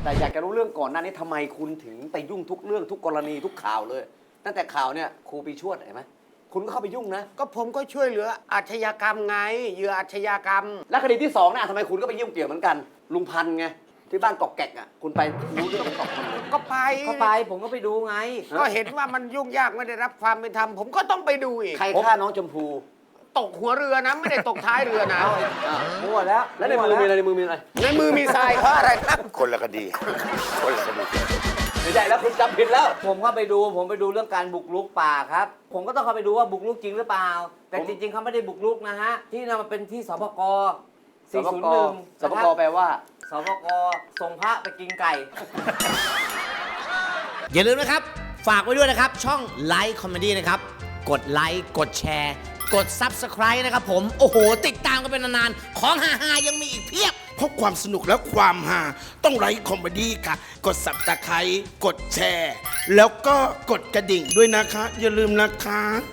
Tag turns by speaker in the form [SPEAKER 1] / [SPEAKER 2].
[SPEAKER 1] แต่อยากจะรู้เรื่องก่อนหน้านี้ทำไมคุณถึงไปยุ่งทุกเรื่องทุกกรณีทุกข่าวเลย ตั้งแต่ข่าวเนี่ยครูปีชวดเห็นไหมคุณก็เข้าไปยุ่งนะ
[SPEAKER 2] ก็ผมก็ช่วยเหลืออาชญากรรมไงเหยื่ออาชญากรรม
[SPEAKER 1] และคดีที่2น่ะทำไมคุณก็ไปยุ่งเกี่ยวเหมือนกัน ลุงพันธ์ไงที่บ้านกอกแกกอ่ะคุณไปรู้เรื่องของกอกพันธ์เลย
[SPEAKER 2] ก็ไป
[SPEAKER 3] ก็ไปผมก็ไปดูไง
[SPEAKER 2] ก็เห็นว่ามันยุ่งยากไม่ได้รับความเป็นธรรมผมก็ต้องไปดูอีก
[SPEAKER 1] ใครฆ่าน้องชมพู
[SPEAKER 2] ตกหัวเรือนะไม่ได้ตกท้ายเรือนะ
[SPEAKER 3] มั่วแล้ว
[SPEAKER 1] แล้วในมือมีอะไรในมือมีอะไร
[SPEAKER 2] ในมือมีทรายเพราะอะไรครับ
[SPEAKER 4] คนละคดี คนละคดี
[SPEAKER 1] ไม่ใช่แล้วคุณจำผิดแล้ว
[SPEAKER 3] ผมก็ไปดูเรื่องการบุกรุกป่าครับ ผมก็ต้องเข้าไปดูว่าบุกรุกจริงหรือเปล่า แต่จริงๆเขาไม่ได้บุกรุกนะฮะที่นั่นมันเป็นที่สปก
[SPEAKER 1] สปก
[SPEAKER 3] 401
[SPEAKER 1] สปกแปลว่า
[SPEAKER 3] สปกส่งพระไปกินไก่
[SPEAKER 5] อย่าลืมนะครับ ฝากไว้ด้วยนะครับ ช่องไลค์คอมเมดี้นะครับ กดไลค์กดแชร์ กด Subscribe นะครับผม โอ้โห ติดตามกันเป็นนานๆ ของฮาๆยังมีอีกเพียบ
[SPEAKER 4] เพราะความสนุกและความฮาต้องไลค์คอมเมดี้ค่ะ กด Subscribe กดแชร์ แล้วก็กดกระดิ่งด้วยนะคะ อย่าลืมนะคะ